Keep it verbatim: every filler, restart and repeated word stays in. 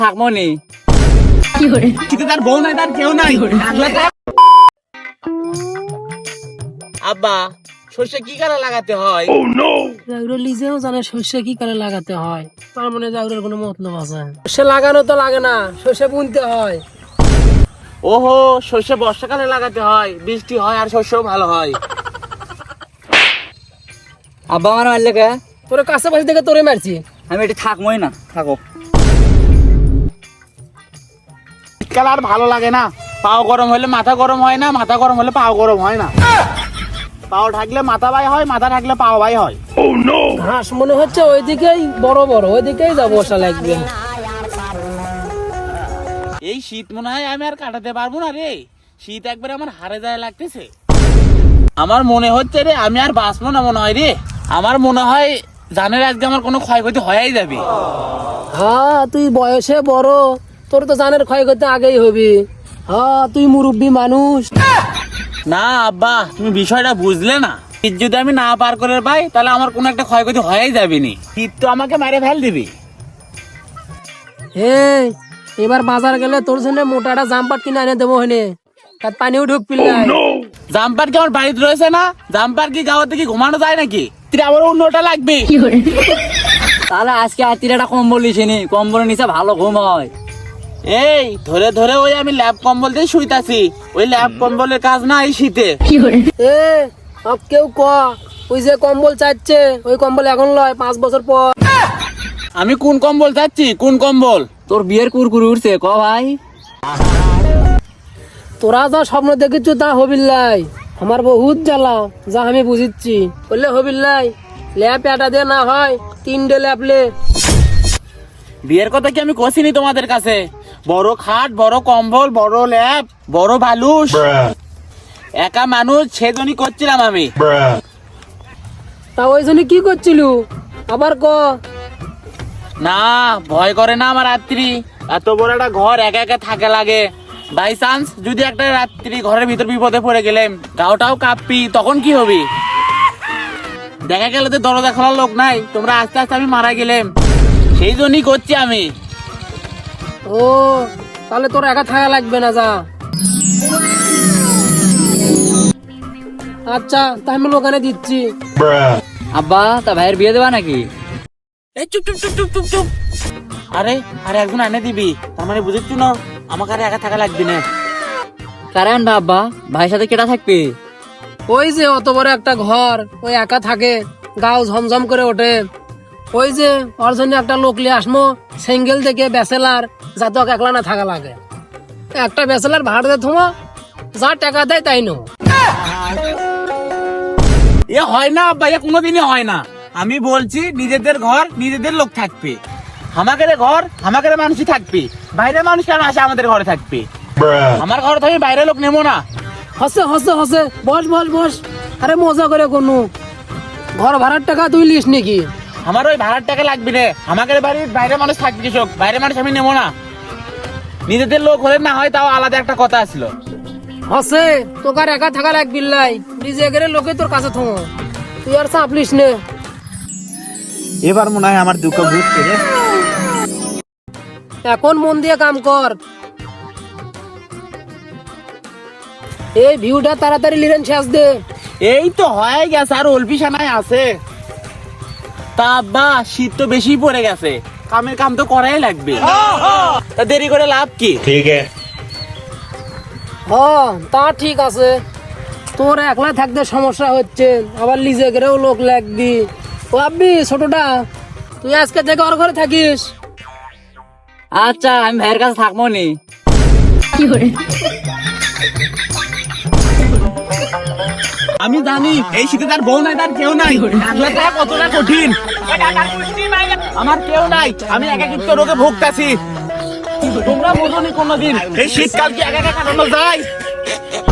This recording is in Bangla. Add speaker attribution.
Speaker 1: থাকবো নি
Speaker 2: কিন্তু তার বউ নাই, তার কেউ নাই। আব্বা সর্ষে কি কারে লাগাতে হয়?
Speaker 3: নিজেও জানে সর্ষে কি করে লাগাতে হয়, তার মানে জাউরের কোনো মতলব আছে? সর্ষে লাগানো তো লাগে না, সর্ষে বুনতে হয়।
Speaker 2: ওহো, সর্ষে বর্ষাকালে লাগাতে হয়, বৃষ্টি হয় আর শস্যও ভালো হয়।
Speaker 1: আব্বা আমার মারলে কে?
Speaker 3: তোর কাছাকাছি থেকে তোরে মারছি।
Speaker 1: আমি এটি থাকবোই না, থাকো।
Speaker 2: শীতকাল আর ভালো লাগে না। পাও গরম হলে মাথা গরম হয় না, মাথা গরম হলে পাও গরম হয় না। পাও ঢাকলে মাথা বাই হয়, মাথা ঢাকলে পাও বাই হয়।
Speaker 3: ঘাস মনে হচ্ছে ওইদিকেই বড় বড়, ওইদিকেই যাবো, বসা লাগবে।
Speaker 2: এই শীত মনে হয় আমি আর কাটাতে পারবো না রে। শীত একবার আমার হারে যায় লাগতেছে। আমার মনে হচ্ছে রে আমি আর বাঁচবো না মনে হয় রে। আমার মনে হয় জানের আজকে আমার কোনো ক্ষয়ক্ষতি হয়েই যাবে।
Speaker 3: হ্যাঁ, তুই বয়সে বড়, তোর তো জানের ক্ষয়ক্ষতি আগেই হবি। হ্যাঁ, তুই মুরব্বী মানুষ।
Speaker 2: না আব্বা, তুমি বিষয়টা বুঝলে না। শীত যদি আমি না পার করে পাই তাহলে আমার কোনো একটা ক্ষয়ক্ষতি হয়েই যাবে নি। শীত তো আমাকে মেরে ফেল দিবি।
Speaker 3: এই এবার বাজার গেলে তোর জন্য মোটাটা জাম্পার কিনে এনে দেবো, হনে তার পানিও ঢুক পিল্লাই।
Speaker 2: জাম্পার কি আমার বাড়িতে রয়েছে না? জাম্পার কি গাওয়াতে কি ঘুমানো যায় নাকি? তুই আমার অন্যটা লাগবে।
Speaker 1: তাহলে আজকে আর তিরাটা কম্বল নিছিনি, কম্বলের নিচে ভালো ঘুম হয়।
Speaker 2: এই ধরে ধরে ওই আমি ল্যাব কম্বল দিয়ে শুইতাছি। ওই ল্যাব কম্বলের কাজ না এই শীতে।
Speaker 3: এ সব কেউ ক, ওই যে কম্বল চাচ্ছে ওই কম্বল এখন লয়, পাঁচ বছর পর।
Speaker 2: আমি কোন কম্বল চাচ্ছি? কোন কম্বল?
Speaker 1: তোর বিয়ের কুরকুরি উঠছে ক ভাই।
Speaker 3: তোরা যা স্বপ্ন দেখেছ তা হবিল্লাই, আমার বহুত জ্বালা, যা আমি বুঝিচ্ছি। বললে হবিল্লাই ল্যাপ এটা দিয়ে না হয় তিনটে ল্যাপলে।
Speaker 2: বিয়ের কথা কি আমি কষিনি তোমাদের কাছে? বড় খাট, বড় কম্বল, বড় ল্যাব, বড় বালুস। একা মানুষ সেজনই করছিলাম আমি।
Speaker 3: তা ওই জন্য কি করছিল আবার ক।
Speaker 2: না ভয় করে না আমার রাত্রি? এত বড় একটা ঘর একা একা থাকে লাগে। বাই চান্স যদি একটা রাত্রি ঘরের ভিতর বিপদে পড়ে গেলেম, গাওটাও কাঁপবি, তখন কি হবে? দেখা গেল তো দরজা খোলার লোক নাই, তোমরা আস্তে আস্তে আমি মারা গেলেম। সেই জন্যই করছি আমি।
Speaker 3: ও তাহলে তোর একা থাকা লাগবে না, যা। আচ্ছা তা আমি ওখানে দিচ্ছি।
Speaker 1: আব্বা তা ভাইয়ের বিয়ে দেবা নাকি?
Speaker 2: এই চুপ চুপ চুপ চুপ চুপ চুপ। আরে আরে একজন এনে দিবি, তার মানে বুঝেছি না আমাকে আর একা থাকা লাগবে না।
Speaker 1: কারে আনবা আব্বা? ভাইয়ের সাথে কেটা থাকবে?
Speaker 3: ওই যে অত বড় একটা ঘর, ওই একা থাকে, গাও ঝমঝম করে ওঠে। ওই যে ওর জন্য একটা লোক লিয়ে আসমো, সিঙ্গেল থেকে ব্যাচেলার, যাতে ওকে একলা না থাকা লাগে। একটা ব্যাচেলার ভাড়া দিয়ে থমো, যা টাকা দেয় তাই নো।
Speaker 2: এ হয় না আব্বা, এ কোনোদিনই হয় না। আমি বলছি নিজেদের ঘর নিজেদের লোক থাকবে। আমাদের ঘর আমাদের মানুষই থাকবে, বাইরে মানুষ কেন আসে আমাদের ঘরে থাকবে? আমার ঘর তো আমি বাইরে লোক নেবো না।
Speaker 3: হসে হসে হসে, বস বস বস। আরে মজা করে কোনো ঘর ভাড়ার টাকা তুই লিস নাকি?
Speaker 2: আমার ওই ভাড়ার টাকা লাগবে রে। আমাদের বাড়ির বাইরে মানুষ থাকবে কৃষক, বাইরে মানুষ আমি নেবো না। নিজেদের লোক হলে না হয় তাও আলাদা একটা কথা ছিল।
Speaker 3: হসে তোকে আর একা থাকা লাগবি লাই, নিজে গেলে লোকে তোর কাছে থমো, তুই আর চাপলিস নে।
Speaker 2: এবার মনে হয় আমার দুঃখ বুঝছে রে।
Speaker 3: এখন মন দিয়ে কাম কর। এই ভিউটা তাড়াতাড়ি লিরেন শেষ দে।
Speaker 2: এই তো হয়ে গেছে, আর অল্পি সানাই আছে। তা আব্বা শীত তো বেশি পড়ে গেছে, কামের কাম তো করাই লাগবে। তা দেরি করে লাভ কি? ঠিক আছে।
Speaker 3: হ্যাঁ তা ঠিক আছে, তোর একলা থাকতে সমস্যা হচ্ছে, আবার লিজে গেলেও লোক লাগবি। ও আব্বি ছোটটা, তুই আজকে থেকে ওর ঘরে থাকিস।
Speaker 1: আচ্ছা আমি ভাইয়ের কাছে থাকবো নি।
Speaker 2: আমি জানি এই শীতে তার বউ নাই, তার কেউ নাই। একলা থাকা কতটা কঠিন। আমার কেউ নাই, আমি একাকিত্ব রোগে ভুগতাছি। তোমরা বোঝনি কোনোদিন এই শীতকাল কি একা একা কাটানো যায়?